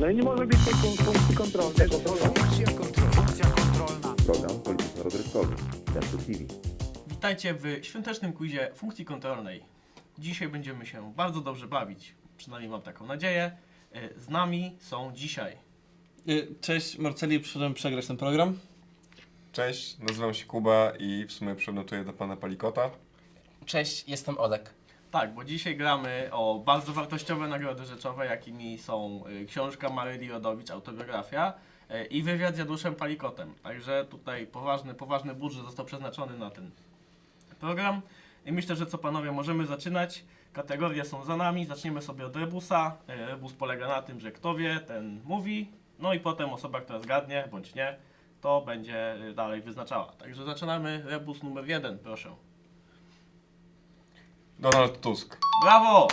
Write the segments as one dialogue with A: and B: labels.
A: No i nie może być tej funkcji kontrolnej.
B: Funkcja kontrolna.
C: Program polityczno-rozrywkowy. Teatr TV.
D: Witajcie w świątecznym quizie funkcji kontrolnej. Dzisiaj będziemy się bardzo dobrze bawić, przynajmniej mam taką nadzieję. Z nami są dzisiaj
E: Cześć, Marceli, przyszedłem przegrać ten program.
F: Cześć, nazywam się Kuba i w sumie przynotuję do pana Palikota.
G: Cześć, jestem Olek.
D: Tak, bo dzisiaj gramy o bardzo wartościowe nagrody rzeczowe, jakimi są książka Maryli Rodowicz, autobiografia i wywiad z Januszem Palikotem. Także tutaj poważny budżet został przeznaczony na ten program. I myślę, że co panowie, możemy zaczynać. Kategorie są za nami, zaczniemy sobie od rebusa. Rebus polega na tym, że kto wie, ten mówi, no i potem osoba, która zgadnie, bądź nie, to będzie dalej wyznaczała. Także zaczynamy. Rebus numer 1, proszę.
F: Donald Tusk.
D: Brawo!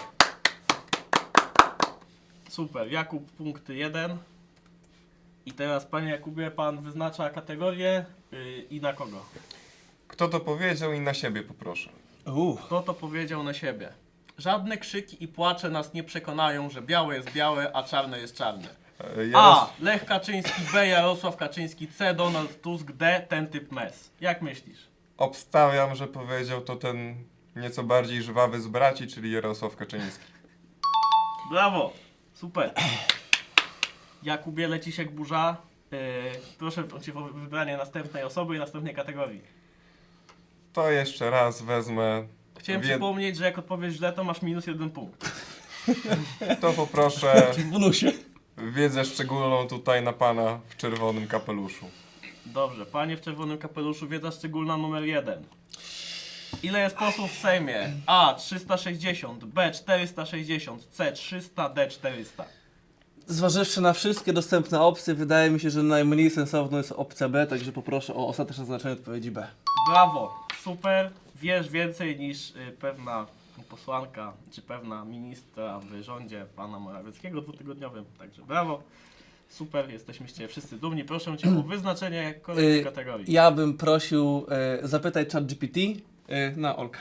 D: Super, Jakub punkt 1. I teraz, panie Jakubie, pan wyznacza kategorię i na kogo?
F: Kto to powiedział i na siebie poproszę.
D: Kto to powiedział na siebie? Żadne krzyki i płacze nas nie przekonają, że białe jest białe, a czarne jest czarne. A. Lech Kaczyński, B. Jarosław Kaczyński, C. Donald Tusk, D. Ten typ mes. Jak myślisz?
F: Obstawiam, że powiedział to ten nieco bardziej żwawy z braci, czyli Jarosław Kaczyński.
D: Brawo! Super. Jakubie, lecisz jak burza. Proszę cię o wybranie następnej osoby i następnej kategorii.
F: To jeszcze raz wezmę.
D: Chciałem przypomnieć, że jak odpowiesz źle, to masz minus 1 punkt.
F: To poproszę
E: W bonusie.
F: wiedzę szczególną tutaj na pana w czerwonym kapeluszu.
D: Dobrze, panie w czerwonym kapeluszu, wiedza szczególna numer 1. Ile jest posłów w Sejmie? A. 360, B. 460, C. 300, D. 400.
E: Zważywszy na wszystkie dostępne opcje, wydaje mi się, że najmniej sensowną jest opcja B, także poproszę o ostateczne zaznaczenie odpowiedzi B.
D: Brawo, super. Wiesz więcej niż pewna posłanka, czy pewna ministra w rządzie pana Morawieckiego dwutygodniowym. Także brawo, super, jesteśmy z ciebie wszyscy dumni. Proszę cię o wyznaczenie kolejnej kategorii.
E: Ja bym prosił zapytaj ChatGPT na Olka.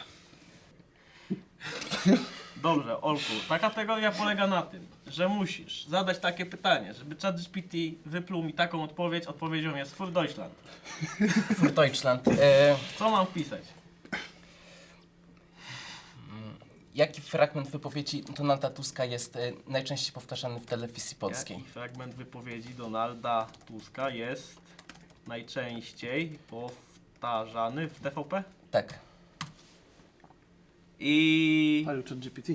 D: Dobrze, Olku, ta kategoria polega na tym, że musisz zadać takie pytanie, żeby ChatGPT wypluł mi taką odpowiedź. Odpowiedzią jest Für Deutschland.
G: Für Deutschland.
D: Co mam wpisać?
G: Jaki fragment wypowiedzi Donalda Tuska jest najczęściej powtarzany w telewizji polskiej?
D: Jaki fragment wypowiedzi Donalda Tuska jest najczęściej powtarzany w TVP?
G: Tak.
E: Palił
D: I
E: ChatGPT.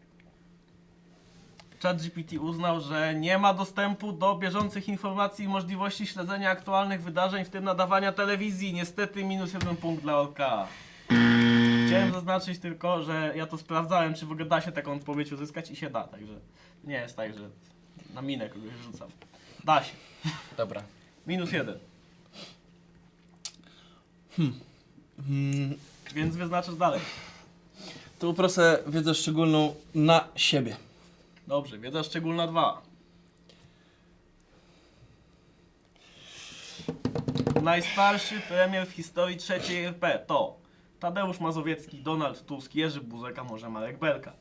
D: ChatGPT uznał, że nie ma dostępu do bieżących informacji i możliwości śledzenia aktualnych wydarzeń, w tym nadawania telewizji. Niestety minus 1 punkt dla Olka. Chciałem zaznaczyć tylko, że ja to sprawdzałem, czy w ogóle da się taką odpowiedź uzyskać i się da, także nie jest tak, że na minę kogoś rzucam. Da się.
G: Dobra.
D: Minus 1. Więc wyznaczasz dalej.
E: To poproszę wiedzę szczególną na siebie.
D: Dobrze, wiedza szczególna 2. Najstarszy premier w historii III RP to Tadeusz Mazowiecki, Donald Tusk, Jerzy Buzek, a może Marek Belka.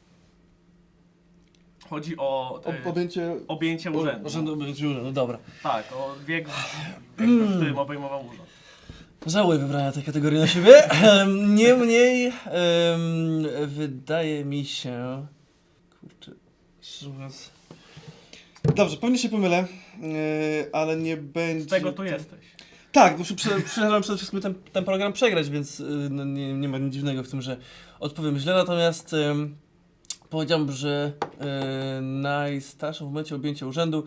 D: Chodzi o objęcie urzędu.
E: No dobra.
D: Tak, o wiek, w którym obejmował urząd.
E: Żałuję wybrania tej kategorii na siebie. Niemniej wydaje mi się... Kurczę, szczerze mówiąc... Dobrze, pewnie się pomylę, ale nie będzie...
D: Z tego tu jesteś.
E: Tak, bo przyszedłem przede wszystkim ten program przegrać, więc no, nie ma nic dziwnego w tym, że odpowiem źle. Natomiast powiedziałbym, że najstarszą w momencie objęcia urzędu...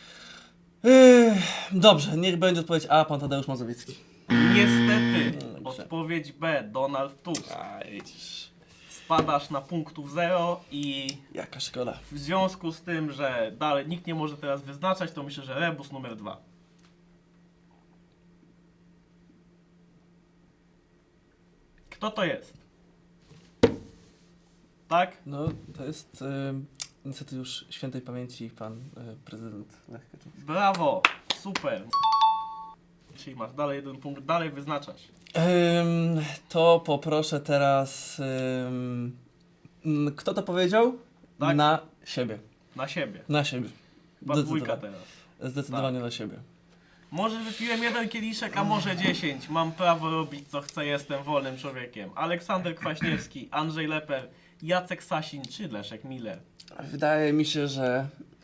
E: Dobrze, niech będzie odpowiedź A, pan Tadeusz Mazowiecki.
D: Niestety,
E: Dobrze.
D: odpowiedź B, Donald Tusk. Spadasz na punktów 0 i
E: Jaka szkoda.
D: w związku z tym, że dalej nikt nie może teraz wyznaczać, to myślę, że rebus numer 2. Kto to jest? Tak?
E: No, to jest niestety już świętej pamięci pan prezydent Lech Kaczyński.
D: Brawo! Super! Czyli masz dalej 1 punkt, dalej wyznaczasz.
E: To poproszę teraz... kto to powiedział?
D: Tak.
E: Na siebie.
D: Na siebie.
E: Na siebie.
D: Chyba dwójka teraz.
E: Zdecydowanie na siebie.
D: Może wypiłem 1 kieliszek, a może 10. Mam prawo robić co chcę, jestem wolnym człowiekiem. Aleksander Kwaśniewski, Andrzej Leper, Jacek Sasin czy Leszek Miller.
E: Wydaje mi się, że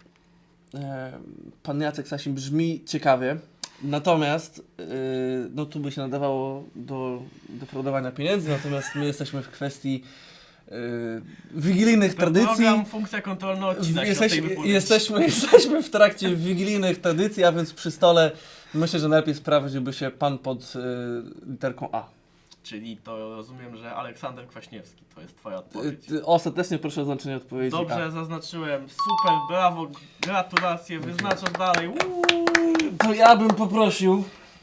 E: pan Jacek Sasin brzmi ciekawie, natomiast no tu by się nadawało do defraudowania pieniędzy, natomiast my jesteśmy w kwestii wigilijnych tradycji.
D: Program, funkcja kontrolna odcina się od tej wypowiedzi.
E: Jesteśmy w trakcie wigilijnych tradycji, a więc przy stole myślę, że najlepiej sprawdziłby się pan pod literką A.
D: Czyli to rozumiem, że Aleksander Kwaśniewski to jest twoja odpowiedź.
E: Ostatecznie proszę o oznaczenie odpowiedzi
D: Dobrze,
E: A.
D: zaznaczyłem. Super, brawo, gratulacje, wyznaczasz dalej.
E: To ja bym poprosił,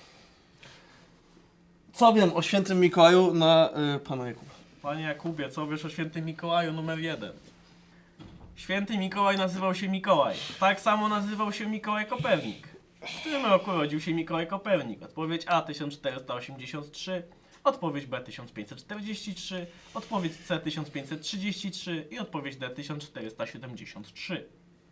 E: co wiem o świętym Mikołaju na pana Jakuba.
D: Panie Jakubie, co wiesz o świętym Mikołaju numer 1? Święty Mikołaj nazywał się Mikołaj. Tak samo nazywał się Mikołaj Kopernik. W którym roku rodził się Mikołaj Kopernik? Odpowiedź A 1483, odpowiedź B 1543, odpowiedź C 1533 i odpowiedź D 1473.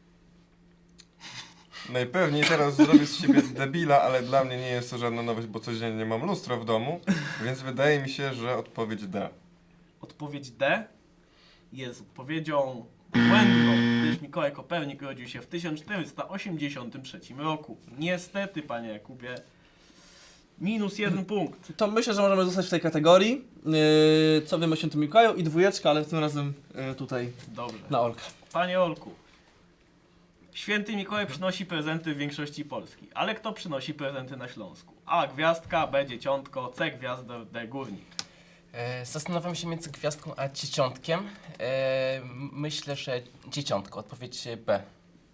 F: Najpewniej teraz zrobię z siebie debila, ale dla mnie nie jest to żadna nowość, bo codziennie mam lustro w domu, więc wydaje mi się, że odpowiedź D.
D: Odpowiedź D jest odpowiedzią błędną, gdyż Mikołaj Kopernik rodził się w 1483 roku. Niestety, panie Jakubie, minus 1 punkt.
E: To myślę, że możemy zostać w tej kategorii. Co wiem o świętym Mikołaju i dwójeczka, ale tym razem tutaj
D: Dobrze.
E: na Olka.
D: Panie Olku, święty Mikołaj przynosi prezenty w większości Polski, ale kto przynosi prezenty na Śląsku? A gwiazdka, B dzieciątko, C gwiazdor, D górnik.
G: Zastanawiam się między gwiazdką a dzieciątkiem. Myślę, że dzieciątko. Odpowiedź B.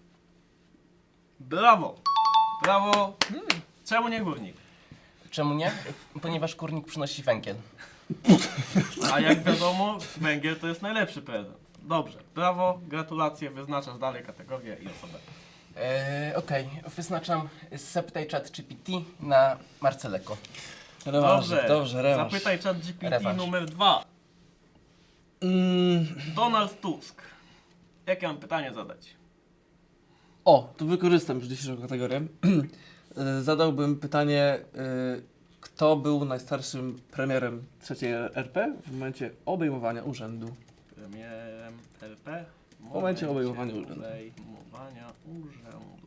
D: Brawo! Brawo! Czemu nie górnik?
G: Czemu nie? Ponieważ kurnik przynosi węgiel.
D: A jak wiadomo, węgiel to jest najlepszy prezent. Dobrze, brawo, gratulacje, wyznaczasz dalej kategorię i osobę.
G: Okej, wyznaczam Zapytaj ChatGPT na Marceleko.
E: Rewanż, dobrze, rewanż.
D: Zapytaj ChatGPT
G: Rewanż.
D: numer 2. Donald Tusk. Jakie mam pytanie zadać?
E: O, tu wykorzystam już dzisiejszą kategorię. Zadałbym pytanie, kto był najstarszym premierem III RP w momencie obejmowania urzędu?
D: Premierem RP?
E: W momencie obejmowania urzędu.
D: Obejmowania urzędu.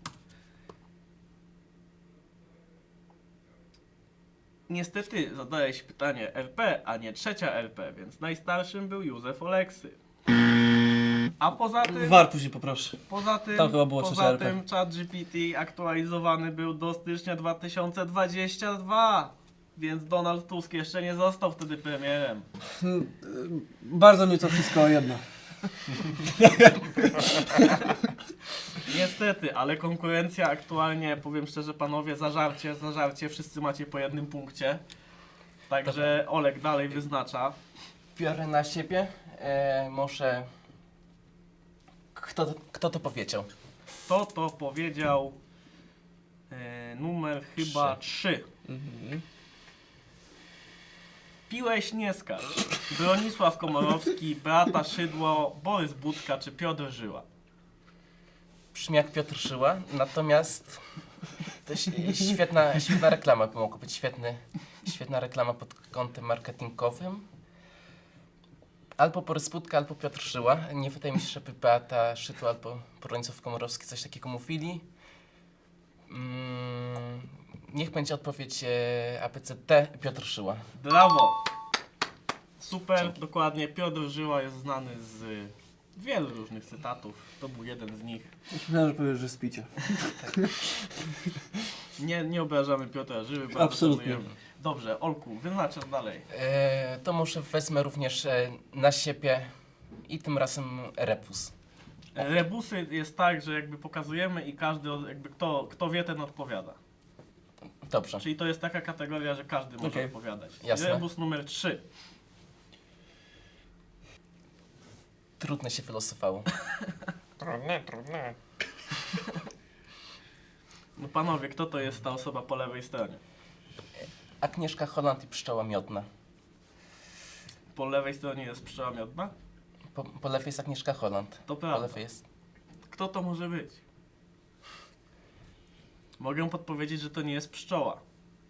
D: Niestety zadałeś pytanie RP, a nie trzecia RP, więc najstarszym był Józef Oleksy. A poza tym...
E: War później poproszę. Tam chyba było
D: Poza
E: trzecia RP.
D: tym ChatGPT aktualizowany był do stycznia 2022, więc Donald Tusk jeszcze nie został wtedy premierem.
E: Bardzo mnie to wszystko jedno.
D: Niestety, ale konkurencja aktualnie, powiem szczerze panowie, zażarcie, wszyscy macie po 1 punkcie. Także Olek dalej wyznacza.
G: Biorę na siebie. Może... Kto to powiedział?
D: Kto to powiedział? Numer chyba 3. Piłeś nie skarż. Bronisław Komorowski, Beata Szydło, Borys Budka czy Piotr Żyła?
G: Brzmi jak Piotr Żyła, natomiast to świetna reklama by mogła być. Świetna reklama pod kątem marketingowym. Albo Borys Budka, albo Piotr Żyła. Nie wydaje mi się, żeby Beata Szydło albo Bronisław Komorowski coś takiego mówili. Niech będzie odpowiedź ABCD, Piotr Żyła.
D: Brawo! Super, dokładnie. Piotr Żyła jest znany z wielu różnych cytatów. To był jeden z nich.
E: Myślałem, że powiesz, że spicie.
D: Nie obrażamy Piotra Żyły. bardzo
E: Absolutnie.
D: szanujemy. Dobrze, Olku, wyznaczasz dalej.
G: To może wezmę również na siebie i tym razem rebus.
D: Rebusy jest tak, że jakby pokazujemy i każdy, jakby kto wie, ten odpowiada.
G: Dobrze.
D: Czyli to jest taka kategoria, że każdy może
E: Okej.
D: odpowiadać.
G: Jasne.
D: Rebus numer 3.
G: Trudne się wylosowało.
F: Trudne.
D: No panowie, kto to jest ta osoba po lewej stronie?
G: Agnieszka Holland i pszczoła miodna.
D: Po lewej stronie jest pszczoła miodna?
G: Po lewej jest Agnieszka Holland.
D: To
G: Po
D: prawda.
G: lewej jest...
D: Kto to może być? Mogę podpowiedzieć, że to nie jest pszczoła.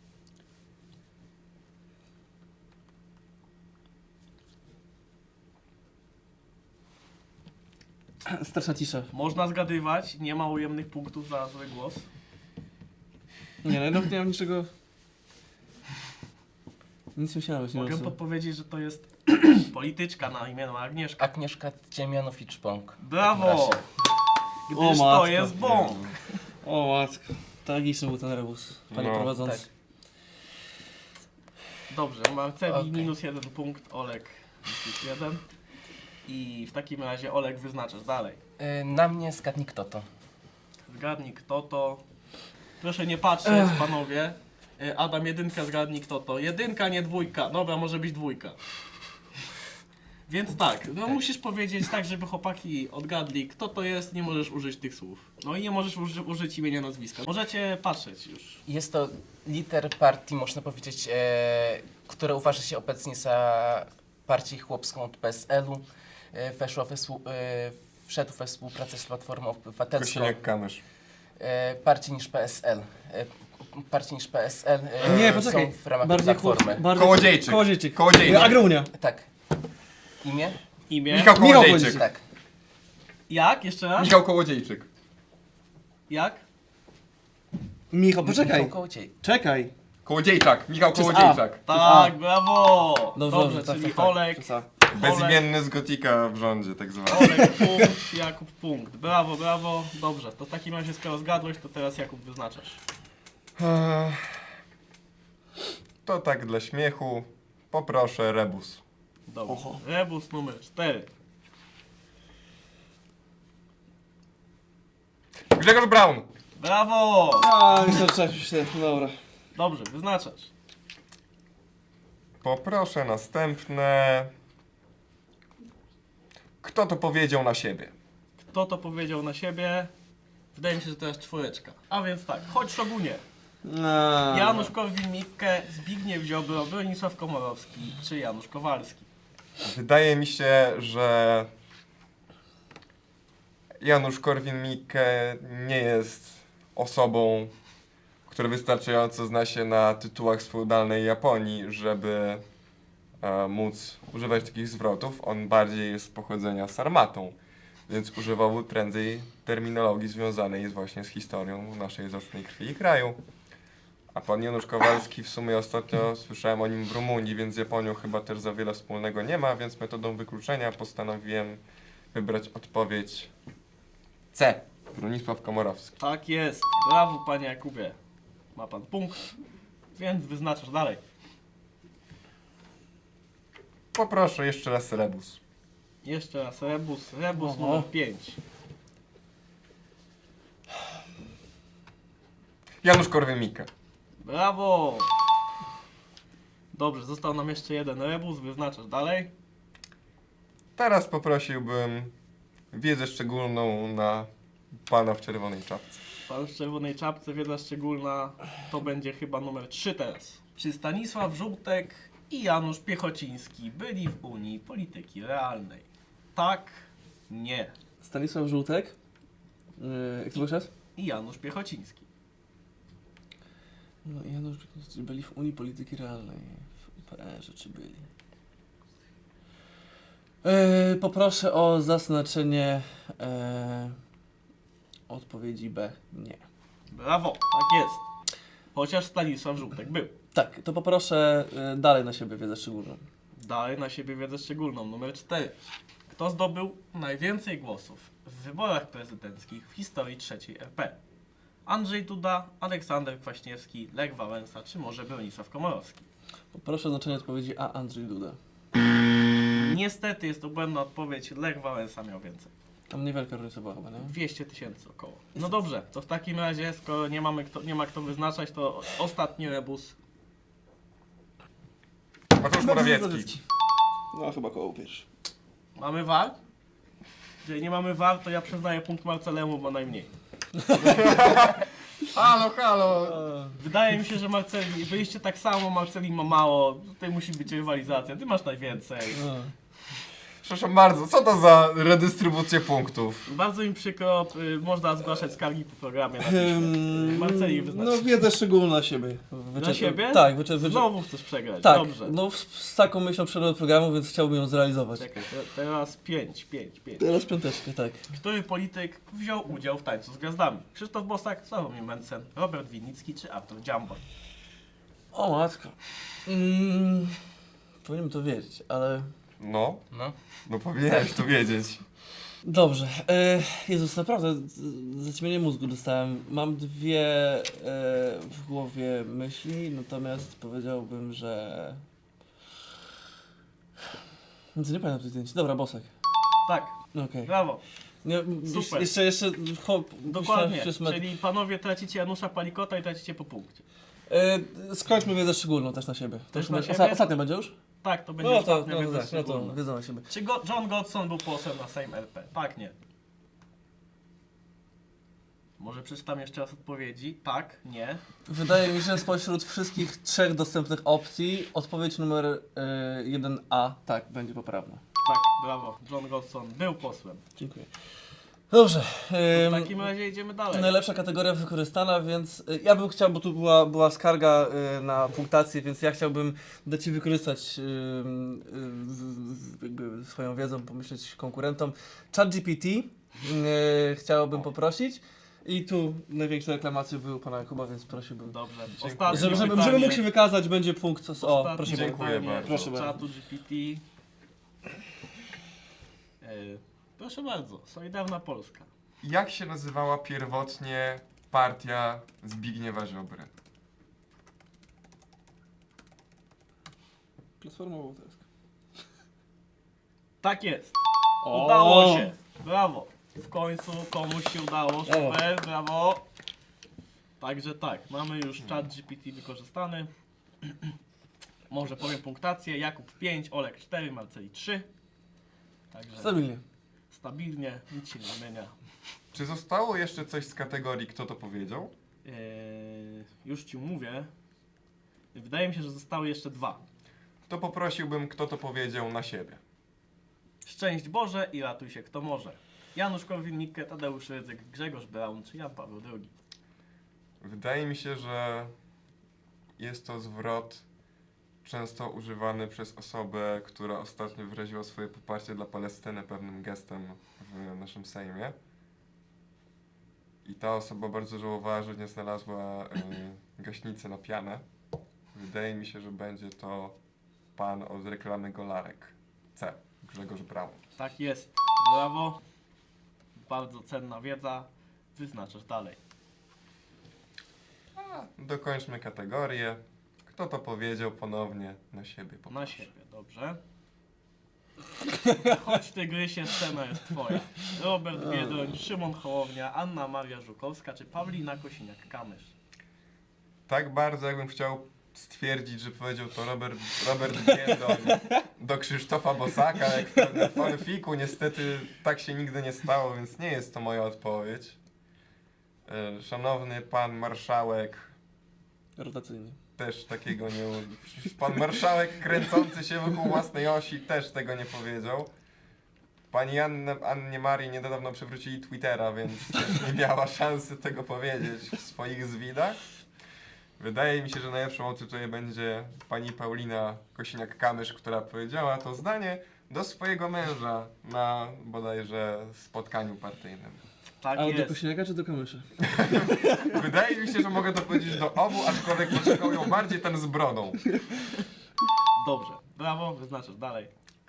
E: Straszna cisza.
D: Można zgadywać, nie ma ujemnych punktów za zły głos.
E: Nie, no nie mam niczego... Nic myślałem, że
D: Mogę
E: nie
D: podpowiedzieć, że to jest polityczka na imię Agnieszka.
G: Agnieszka Dziemianowicz-Bąk.
D: Brawo! Gdyż
E: O,
D: to
E: matko.
D: jest bąk.
E: O matko. Tragiczny był ten rebus, panie
F: No.
E: prowadzący.
G: Tak.
D: Dobrze, Marceli
G: Okej.
D: minus 1 punkt, Olek plus 1. I w takim razie Olek wyznaczasz dalej.
G: Na mnie zgadnij kto to.
D: Zgadnij kto to. Proszę nie patrzeć, panowie. Adam, jedynka, zgadnij kto to. Jedynka, nie dwójka. Dobra, może być dwójka. Więc tak, no musisz powiedzieć tak, żeby chłopaki odgadli, kto to jest, nie możesz użyć tych słów. No i nie możesz użyć imienia, nazwiska. Możecie patrzeć już.
G: Jest to lider partii, można powiedzieć, która uważa się obecnie za partię chłopską od PSL-u. Wszedł we współpracę z Platformą Obywatelską.
F: Kosiniak-Kamysz.
G: Bardziej niż PSL. Bardziej niż PSL.
E: Nie, poczekaj.
G: Są w ramach
E: Bardziej
G: Platformy.
E: bardziej...
F: Kołodziejczyk.
E: Kołodziejczyk.
F: Kołodziejczyk.
E: Agrounia.
G: Tak. Imię?
D: Imię?
F: Michał
E: Michał
F: Kołodziejczyk.
G: Tak.
D: Jak? Jeszcze raz?
F: Michał Kołodziejczyk.
D: Jak?
E: Michał, poczekaj.
G: Michał Kołodziej.
E: Czekaj.
F: Kołodziejczak. Michał
E: Przez A.
F: Kołodziejczak.
D: Tak, brawo!
E: Dobrze,
D: czyli
E: tak.
D: Olek,
E: Przez A.
F: Bezimienny z Gotika w rządzie, tak zwany.
D: Olek punkt, Jakub punkt. Brawo, brawo. Dobrze, to w takim razie skoro zgadłeś, to teraz Jakub wyznaczasz.
F: To tak dla śmiechu. Poproszę rebus.
D: Dobrze.
E: Oho.
D: Rebus numer 4.
F: Grzegorz Braun.
D: Brawo!
E: A, myślę, że dobra.
D: Dobrze, wyznaczasz.
F: Poproszę następne. Kto to powiedział na siebie?
D: Kto to powiedział na siebie? Wydaje mi się, że teraz czwóreczka. A więc tak, chodź Szogunie. Janusz Korwin-Mikke, Zbigniew Ziobro, Bronisław Komorowski czy Janusz Kowalski?
F: Wydaje mi się, że Janusz Korwin-Mikke nie jest osobą, która wystarczająco zna się na tytułach z feudalnej Japonii, żeby móc używać takich zwrotów. On bardziej jest z pochodzenia sarmatą, więc używał prędzej terminologii związanej właśnie z historią naszej zacnej krwi i kraju. A pan Janusz Kowalski w sumie ostatnio słyszałem o nim w Rumunii, więc z Japonią chyba też za wiele wspólnego nie ma, więc metodą wykluczenia postanowiłem wybrać odpowiedź C. Bronisław Komorowski.
D: Tak jest. Brawo, panie Jakubie. Ma pan punkt, więc wyznaczasz dalej.
F: Poproszę jeszcze raz rebus.
D: Jeszcze raz rebus. Rebus
E: Oho.
D: numer 5.
F: Janusz Korwin-Mikke.
D: Brawo! Dobrze, został nam jeszcze jeden rebus. Wyznaczasz dalej.
F: Teraz poprosiłbym wiedzę szczególną na pana w czerwonej czapce.
D: Pan w czerwonej czapce, wiedza szczególna, to będzie chyba numer 3 teraz. Czy Stanisław Żółtek i Janusz Piechociński byli w Unii Polityki Realnej? Tak, nie.
E: Stanisław Żółtek. Jak to był czas?
D: I Janusz Piechociński.
E: No Janusz, czy byli w Unii Polityki Realnej. W UPR-ze czy byli? Poproszę o zaznaczenie odpowiedzi B. Nie.
D: Brawo, tak jest. Chociaż Stanisław Żółtek był.
E: Tak, to poproszę dalej na siebie wiedzę szczególną.
D: Dalej na siebie wiedzę szczególną, numer 4. Kto zdobył najwięcej głosów w wyborach prezydenckich w historii III RP? Andrzej Duda, Aleksander Kwaśniewski, Lech Wałęsa czy może Bronisław Komorowski?
E: Poproszę o znaczenie odpowiedzi A. Andrzej Duda.
D: Niestety jest to błędna odpowiedź, Lech Wałęsa miał więcej.
E: Tam niewielka różnica była chyba, nie?
D: 200 000 około. No dobrze, to w takim razie, skoro nie ma kto wyznaczać, to ostatni rebus.
F: Mateusz Morawiecki.
E: No chyba koło pierwszy.
D: Mamy war? Jeżeli nie mamy war, to ja przyznaję punkt Marcelemu, bo najmniej.
F: Halo, halo!
D: Wydaje mi się, że Marceli, byliście tak samo, Marceli ma mało, tutaj musi być rywalizacja, ty masz najwięcej.
F: Przepraszam bardzo, co to za redystrybucję punktów?
D: Bardzo mi przykro, można zgłaszać skargi po programie na piśmie. Marceli wyznaczy.
E: No wiedzę szczególną na siebie.
D: Na siebie?
E: Tak,
D: Znowu chcesz przegrać,
E: tak,
D: dobrze.
E: no z taką myślą przed programu, więc chciałbym ją zrealizować.
D: Czekaj, teraz 5.
E: Teraz piąteczkę, tak.
D: Który polityk wziął udział w Tańcu z Gwiazdami? Krzysztof Bosak, Sławomir Mencen, Robert Winnicki czy Artur Dziambor?
E: O matko. Powinienem to wiedzieć, ale...
F: No,
G: No.
F: no powinieneś to wiedzieć.
E: Dobrze. Jezus, naprawdę zaćmienie mózgu dostałem. Mam dwie w głowie myśli, natomiast powiedziałbym, że... Nic nie pamiętam tych zdjęć. Dobra, Bosak.
D: Tak,
E: Okej.
D: brawo,
E: Nie,
D: Super.
E: Jeszcze
D: dokładnie, czyli panowie tracicie Janusza Palikota i tracicie po punkcie.
E: Skończmy wiedzę szczególną też na siebie. To
D: Też
E: już
D: na
E: będzie-
D: siebie?
E: Ostatnia będzie już?
D: Tak, to będzie
E: No to,
D: ostatnia wiedza
E: tak, no to
D: szczególna.
E: wiedzą na siebie.
D: Czy John Godson był posłem na Sejm RP? Tak, nie. Może przeczytam jeszcze raz odpowiedzi. Tak, nie.
E: Wydaje mi się, że spośród wszystkich trzech dostępnych opcji odpowiedź numer 1A tak będzie poprawna.
D: Tak, brawo. John Godson był posłem.
E: Dziękuję. Dobrze.
D: W takim razie idziemy dalej.
E: Najlepsza kategoria wykorzystana, więc ja bym chciał, bo tu była skarga na punktację, więc ja chciałbym dać Ci wykorzystać jakby swoją wiedzą, pomyśleć konkurentom. ChatGPT chciałbym poprosić i tu największe reklamacje były u Pana Jakuba, więc prosiłbym.
D: Dobrze.
F: Dziękuję.
D: Ostatnie
E: Żeby
D: pytanie.
E: mógł się wykazać, będzie punkt. O,
D: Ostatnie
E: proszę
F: Dziękuję
E: bardzo.
D: pytanie
F: bardzo.
E: Proszę
D: od
E: bardzo.
D: czatu GPT. Proszę bardzo. Solidarna Polska.
F: Jak się nazywała pierwotnie partia Zbigniewa Ziobry?
E: Platforma Obywatelska.
D: Tak jest. Udało się. Brawo. W końcu komuś się udało. Super, brawo. Także tak, mamy już czat GPT wykorzystany. Może powiem punktację. Jakub 5, Olek 4, Marceli 3. Także
E: Stabilnie.
D: stabilnie, nic się nie zmienia.
F: Czy zostało jeszcze coś z kategorii kto to powiedział?
D: Już ci mówię. Wydaje mi się, że zostały jeszcze 2.
F: To poprosiłbym kto to powiedział na siebie.
D: Szczęść Boże i ratuj się kto może. Janusz Korwin-Mikke, Tadeusz Rydzyk, Grzegorz Braun czy Jan Paweł II.
F: Wydaje mi się, że jest to zwrot często używany przez osobę, która ostatnio wyraziła swoje poparcie dla Palestyny pewnym gestem w naszym Sejmie. I ta osoba bardzo żałowała, że nie znalazła gaśnicy na pianę. Wydaje mi się, że będzie to pan od reklamy Golarek. C. Grzegorz Braun.
D: Tak jest. Brawo. Bardzo cenna wiedza. Wyznaczasz dalej.
F: Dokończmy kategorię. Kto to powiedział ponownie na siebie?
D: Na
F: poproszę.
D: siebie, dobrze. Chodź tygrysie, scena jest twoja. Robert Biedroń, Szymon Hołownia, Anna Maria Żukowska czy Paulina Kosiniak-Kamysz.
F: Tak bardzo jakbym chciał stwierdzić, że powiedział to Robert Biedroń do Krzysztofa Bosaka, jak w pewnym fanfiku. Niestety tak się nigdy nie stało, więc nie jest to moja odpowiedź. Szanowny pan marszałek,
E: Rotacyjnie.
F: też takiego nie... Pan marszałek kręcący się wokół własnej osi też tego nie powiedział. Pani Annie Marii niedawno przywrócili Twittera, więc też nie miała szansy tego powiedzieć w swoich zwidach. Wydaje mi się, że najlepszą opcją tutaj będzie pani Paulina Kosiniak-Kamysz, która powiedziała to zdanie do swojego męża na bodajże spotkaniu partyjnym.
D: Tak
E: Ale do
D: jest.
E: Kosiniaka czy do Kamysza?
F: Wydaje mi się, że mogę to powiedzieć do obu, aczkolwiek oczekują bardziej ten z brodą.
D: Dobrze. Brawo, wyznaczasz dalej.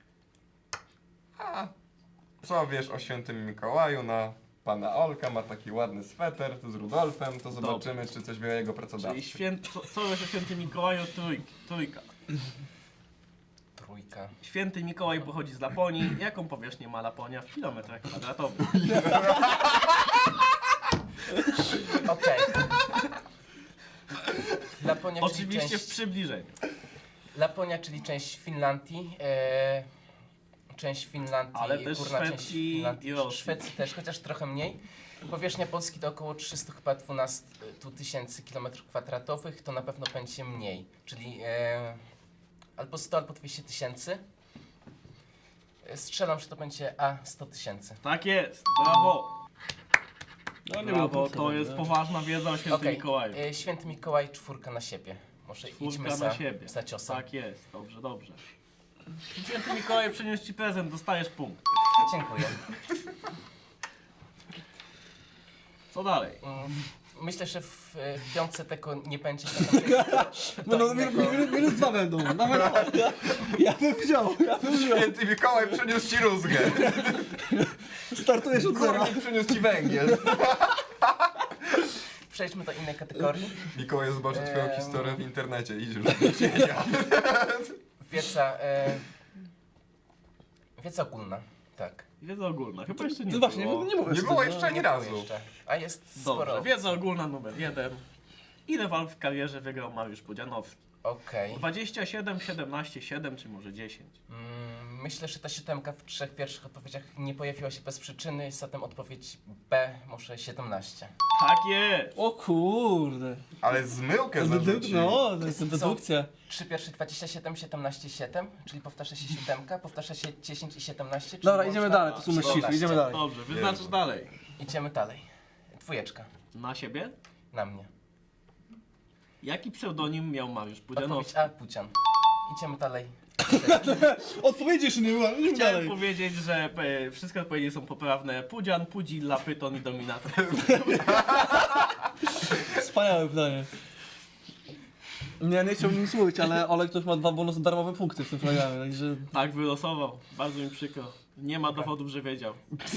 F: A co wiesz o świętym Mikołaju? Na pana Olka ma taki ładny sweter z Rudolfem, to zobaczymy, czy coś wie o jego
D: Czyli
F: pracodawcy.
D: co wiesz o świętym Mikołaju? Trójka.
G: Trójka.
D: Święty Mikołaj pochodzi z Laponii. Jaką powierzchnię ma Laponia w kilometrach kwadratowych?
G: Okej. Laponia, czyli
D: Oczywiście w
G: część...
D: przybliżeniu.
G: Laponia, czyli część Finlandii. Część Finlandii,
D: Ale też
G: górna część
D: Szwecji
G: Finlandii,
D: i Rosji.
G: Szwecji też, chociaż trochę mniej. Powierzchnia Polski to około 312 tysięcy km², to na pewno będzie mniej, czyli albo 100, albo 200 tysięcy. Strzelam, że to będzie A 100 tysięcy.
D: Tak jest, brawo.
E: No, nie
D: Brawo,
E: było
D: to
E: potrzeby,
D: jest
E: no.
D: poważna wiedza o świętym
G: Okej,
D: Mikołaju.
G: Święty Mikołaj, 4 na siebie. Może idźmy
D: Czwórka
G: za,
D: na siebie.
G: za ciosem.
D: Tak jest, dobrze, dobrze. Święty Mikołaj przyniósł ci prezent, dostajesz punkt.
G: Dziękuję.
D: Co dalej?
G: Myślę, że w piątce tego nie będzie.
E: No, minus 2 będą. Nawet ja bym wziął.
F: Święty Mikołaj przyniósł ci rózgę.
E: Startujesz od zera.
F: Górnik przyniósł ci węgiel.
G: Przejdźmy do innej kategorii.
F: Mikołaj zobaczy twoją historię w internecie. Idź już.
G: Wiedza ogólna. Tak.
D: Wiedza ogólna, chyba jeszcze nie
E: No właśnie,
D: było.
E: nie było
F: Nie było jeszcze ani
G: Nie
F: razu.
G: było jeszcze. A jest
D: Dobrze,
G: sporo.
D: wiedza ogólna numer 1. Ile walk w karierze wygrał Mariusz Pudzianowski?
G: Okej.
D: 27, 17, 7 czy może 10?
G: Myślę, że ta siódemka w 3 pierwszych odpowiedziach nie pojawiła się bez przyczyny, zatem odpowiedź B, może 17.
D: Tak jest!
E: O kurde.
F: Ale zmyłkę zarzucił.
E: No, to jest dedukcja.
G: 3 pierwsze 27, 17, 7, czyli powtarza się siódemka, powtarza się 10 i 17. Czyli
E: Dobra, idziemy
G: łączna
E: dalej, to są myśliwy,
G: 14.
E: idziemy dalej.
D: Dobrze, wyznaczasz
F: Jezu.
D: dalej.
G: Idziemy dalej. Dwójeczka.
D: Na siebie?
G: Na mnie.
D: Jaki pseudonim miał Mariusz
G: Odpowiedź
D: Pudzianowski?
G: A, Pucian. Idziemy dalej.
E: Odpowiedzi jeszcze nie była, idziemy
D: Chciałem
E: dalej. powiedzieć,
D: powiedzieć, że wszystkie odpowiedzi są poprawne. Pudzian, Pudzilla, Pyton i Dominator.
E: Wspaniałe pytanie. Nie chciałbym nic mówić, ale Olek ktoś ma 2 bonusy darmowe punkty w tym programie, także...
D: Tak wylosował. Bardzo mi przykro. Nie ma dowodów, że wiedział.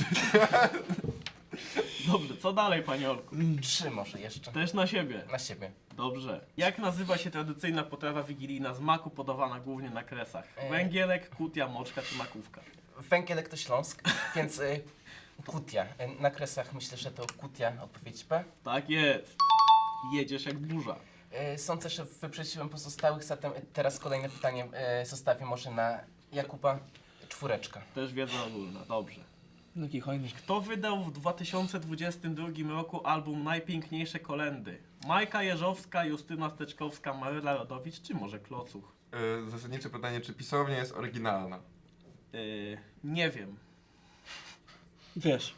D: Dobrze, co dalej, panie Olku?
G: 3 może jeszcze.
D: Też na siebie.
G: Na siebie.
D: Dobrze. Jak nazywa się tradycyjna potrawa wigilijna z maku podawana głównie na kresach? Węgielek, kutia, moczka czy makówka?
G: Węgielek to Śląsk, więc kutia. Na kresach myślę, że to kutia, odpowiedź B.
D: Tak jest. Jedziesz jak burza.
G: Sądzę, że wyprzedziłem pozostałych, zatem teraz kolejne pytanie zostawię może na Jakuba. 4.
D: Też wiedza ogólna. Dobrze.
E: Jaki hojny.
D: Kto wydał w 2022 roku album Najpiękniejsze Kolędy? Majka Jeżowska, Justyna Steczkowska, Maryla Rodowicz czy może Klocuch?
F: Zasadnicze pytanie, czy pisownia jest oryginalna?
D: Nie wiem.
E: Wiesz.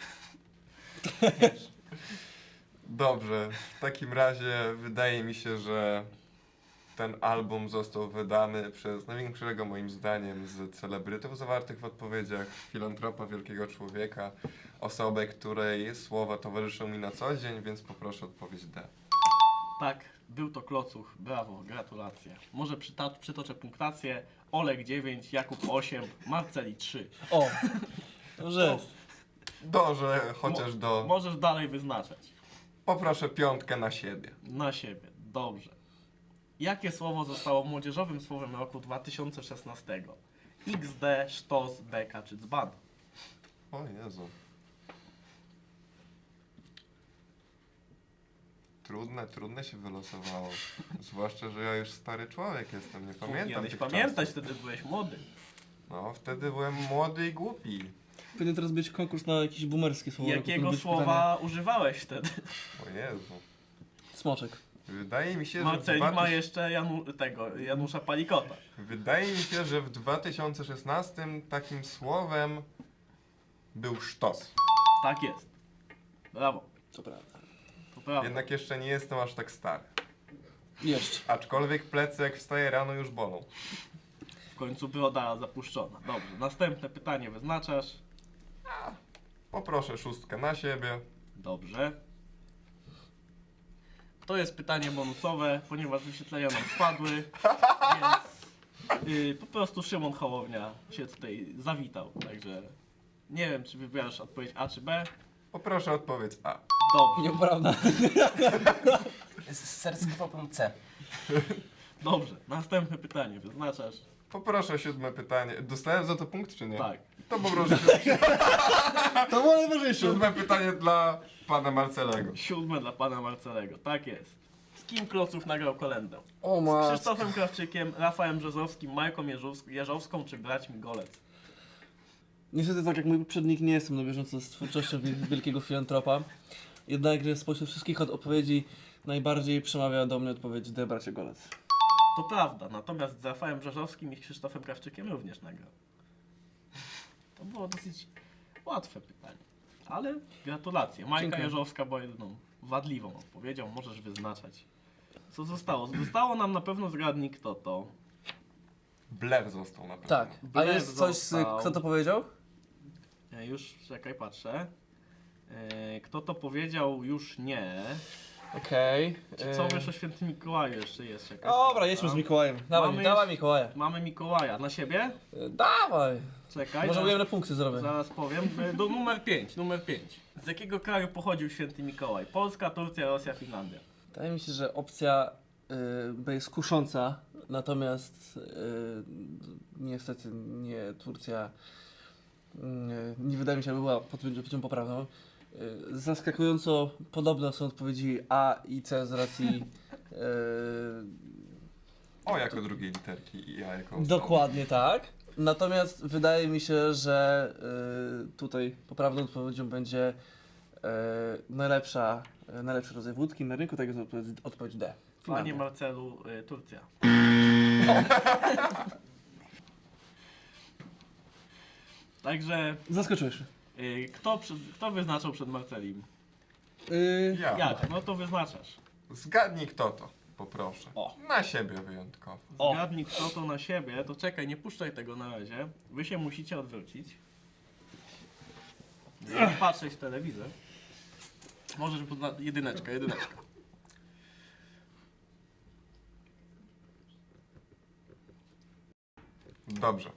F: Dobrze, w takim razie wydaje mi się, że ten album został wydany przez największego moim zdaniem z celebrytów zawartych w odpowiedziach, filantropa, wielkiego człowieka, osobę, której słowa towarzyszą mi na co dzień, więc poproszę odpowiedź D.
D: Tak, był to Klocuch. Brawo, gratulacje. Może przytoczę punktację. Olek 9, Jakub 8, Marceli 3.
E: O, dobrze jest.
F: Dobrze, chociaż do...
D: Możesz dalej wyznaczać.
F: Poproszę 5 na siebie.
D: Na siebie. Dobrze. Jakie słowo zostało młodzieżowym słowem roku 2016? XD, sztos, beka czy dzban?
F: O Jezu. Trudne się wylosowało. Zwłaszcza, że ja już stary człowiek jestem, nie pamiętam
D: Powinieneś
F: tych
D: pamiętać,
F: czasów.
D: wtedy byłeś młody.
F: No, wtedy byłem młody i głupi.
E: Powinien teraz być konkurs na jakieś boomerskie słowo.
D: Jakiego
E: być
D: słowa używałeś wtedy?
F: O Jezu.
E: pytanie. Smoczek.
F: Wydaje mi się, że
D: Marceli ma jeszcze Janusza Palikota.
F: Wydaje mi się, że w 2016 takim słowem był sztos.
D: Tak jest. Brawo.
E: To prawda.
D: To prawda.
F: Jednak jeszcze nie jestem aż tak stary.
E: Jeszcze.
F: Aczkolwiek plecy jak wstaję rano już bolą.
D: W końcu broda zapuszczona. Dobrze. Następne pytanie wyznaczasz.
F: Poproszę 6 na siebie.
D: Dobrze. To jest pytanie bonusowe, ponieważ wyświetlenia nam spadły, więc po prostu Szymon Hołownia się tutaj zawitał, także nie wiem, czy wybierasz odpowiedź A czy B.
F: Poproszę odpowiedź A.
D: Dobrze,
E: Nieprawda.
G: Zaryzykowałbym C.
D: dobrze. Następne pytanie wyznaczasz.
F: Poproszę 7 pytanie. Dostałem za to punkt czy nie?
D: Tak.
F: To poproszę
E: To było najważniejsze.
F: 7 pytanie dla pana Marcelego.
D: 7 dla pana Marcelego, tak jest. Z kim Klocuch nagrał kolędę?
E: O
D: Z
E: ma.
D: Krzysztofem Krawczykiem, Rafałem Brzozowskim, Majką Jeżowską czy braćmi Golec?
E: Niestety tak jak mój poprzednik nie jestem na bieżąco z twórczością wielkiego filantropa. Jednakże spośród wszystkich odpowiedzi najbardziej przemawia do mnie odpowiedź D, bracie Golec.
D: To prawda, natomiast z Rafałem Brzozowskim i Krzysztofem Krawczykiem również nagrał. To było dosyć łatwe pytanie. Ale gratulacje. Majka
E: Dziękuję.
D: Jeżowska była jedyną wadliwą odpowiedzią. Możesz wyznaczać. Co zostało? Zostało nam na pewno zgadnij kto to.
F: Blair został na pewno.
E: Tak. A
D: Blair
E: jest coś,
D: został.
E: kto to powiedział?
D: Już czekaj, patrzę. Kto to powiedział? Już nie.
E: Okej.
D: Czy co wiesz o świętym Mikołaju jeszcze jest jakaś?
E: Dobra, jedźmy z Mikołajem. Dawaj,
D: Mamy
E: dawaj
D: jeszcze-
E: Mikołaja.
D: Mamy Mikołaja. Na siebie?
E: Dawaj.
D: Czekaj.
E: Może
D: zaraz-
E: ujemne punkty zrobię.
D: Zaraz powiem. Do numer 5. Z jakiego kraju pochodził święty Mikołaj? Polska, Turcja, Rosja, Finlandia.
E: Wydaje mi się, że opcja B jest kusząca, natomiast niestety nie Turcja nie wydaje mi się, aby była odpowiedzią poprawną. Zaskakująco podobne są odpowiedzi A i C z racji
F: O jako drugiej literki i ja jako
E: dokładnie tak. Natomiast wydaje mi się, że tutaj poprawną odpowiedzią będzie najlepszy rodzaj wódki na rynku, tak jest odpowiedź D.
D: Panie
E: Finlandia.
D: Marcelu, Turcja. Także
E: Zaskoczyłeś mnie.
D: kto wyznaczał przed Marcelim?
F: Ja.
D: Jak? No to wyznaczasz.
F: Zgadnij kto to, poproszę.
D: O.
F: Na siebie wyjątkowo.
E: O.
D: Zgadnij kto to na siebie, to czekaj, nie puszczaj tego na razie. Wy się musicie odwrócić. Patrzeć w telewizor. Możesz jedyneczka.
F: Dobrze.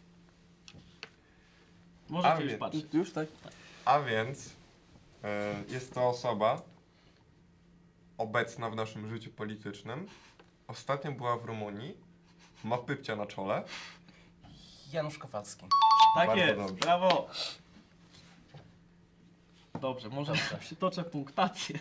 D: Możecie
F: A
D: już
F: więc-
D: patrzeć.
E: Już tak?
F: A więc jest to osoba obecna w naszym życiu politycznym. Ostatnio była w Rumunii. Ma pypcia na czole.
G: Janusz Kowalski.
D: Tak
F: Bardzo
D: jest,
F: dobrze.
D: brawo. Dobrze, może przytoczę punktację.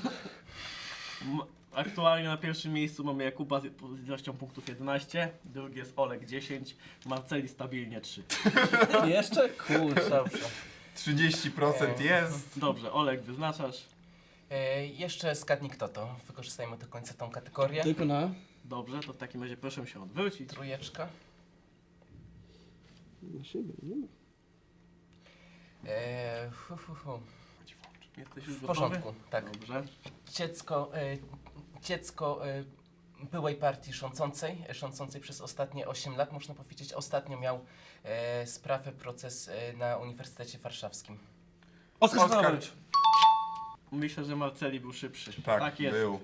D: Aktualnie na pierwszym miejscu mamy Jakuba z ilością punktów 11, drugi jest Olek 10, Marceli stabilnie 3.
E: Jeszcze? Kurczę.
G: Dobrze.
F: 30% jest.
D: Dobrze, Olek wyznaczasz.
G: Jeszcze zgadnij kto to. Wykorzystajmy do końca tą kategorię.
E: Tylko na?
D: Dobrze, to w takim razie proszę się odwrócić.
G: Trójeczka.
E: Na siebie, nie?
D: Jesteś już
G: W
D: gotowy?
G: porządku, tak.
D: Dobrze.
G: Dziecko byłej partii rządzącej przez ostatnie 8 lat, można powiedzieć. Ostatnio miał sprawę, proces na Uniwersytecie Warszawskim.
E: Oskar
F: Oskar.
E: Szwanowicz.
D: Myślę, że Marceli był szybszy.
F: Tak,
D: jest.
F: był.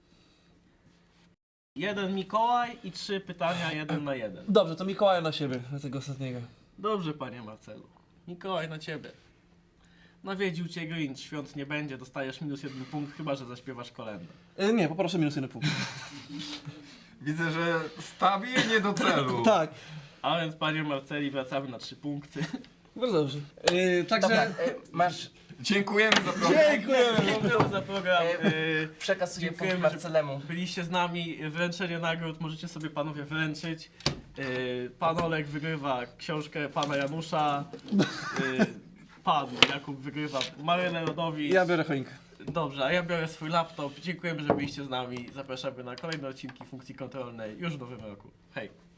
D: 1 Mikołaj i 3 pytania 1 na 1.
E: Dobrze, to Mikołaja na siebie, na tego ostatniego.
D: Dobrze, panie Marcelu. Mikołaj na ciebie. Nawiedził cię Grinch, świąt nie będzie, dostajesz -1 punkt, chyba że zaśpiewasz kolędę.
E: Nie, poproszę -1 punkt.
F: Widzę, że stabilnie do celu.
E: Tak,
D: A więc, panie Marceli, wracamy na 3 punkty.
E: bardzo dobrze.
G: Dobra,
E: Także
G: masz,
F: Dziękujemy za program.
E: dziękujemy.
D: Dziękuję za program.
G: przekazuję punkt
D: Dziękujemy, że
G: Marcelemu.
D: byliście z nami. Wręczenie nagród możecie sobie panowie wręczyć. Pan Olek wygrywa książkę pana Janusza. Pan Jakub wygrywa Marynę Rodowicz.
E: Ja biorę choinkę.
D: Dobrze, a ja biorę swój laptop. Dziękujemy, że byliście z nami. Zapraszamy na kolejne odcinki Funkcji Kontrolnej już w nowym roku. Hej!